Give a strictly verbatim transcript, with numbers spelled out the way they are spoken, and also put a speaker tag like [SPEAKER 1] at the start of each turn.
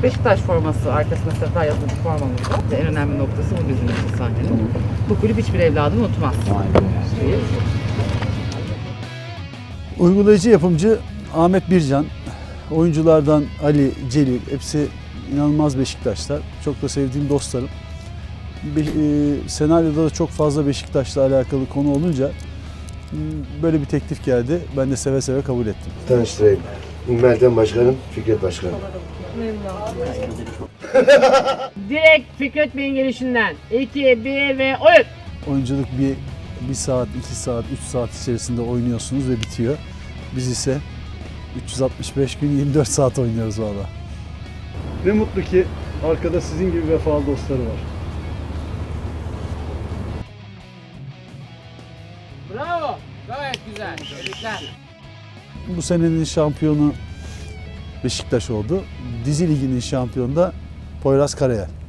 [SPEAKER 1] Beşiktaş forması arkasında Sefer yazılı bir formamız var. En önemli noktası bu bizim için sahnenin. Bu kulüp hiçbir evladım unutmaz.
[SPEAKER 2] Uygulayıcı yapımcı Ahmet Bircan, oyunculardan Ali, Celil, hepsi inanılmaz Beşiktaşlar. Çok da sevdiğim dostlarım. Be- e, senaryoda da çok fazla Beşiktaş'la alakalı konu olunca m, böyle bir teklif geldi. Ben de seve seve kabul ettim.
[SPEAKER 3] Tanıştırayım. Meltem Başkanım, Fikret Başkanım.
[SPEAKER 4] Direkt Fikret Bey'in gelişinden iki, bir ve oyun.
[SPEAKER 2] Oyunculuk bir, bir saat, iki saat, üç saat içerisinde oynuyorsunuz ve bitiyor. Biz ise üç yüz altmış beş gün yirmi dört saat oynuyoruz valla. Ne mutlu ki arkada sizin gibi vefalı dostları var.
[SPEAKER 4] Bravo. Gayet güzel. Tebrikler.
[SPEAKER 2] Bu senenin şampiyonu Beşiktaş oldu. Dizi Ligi'nin şampiyonu da Poyraz Karayel.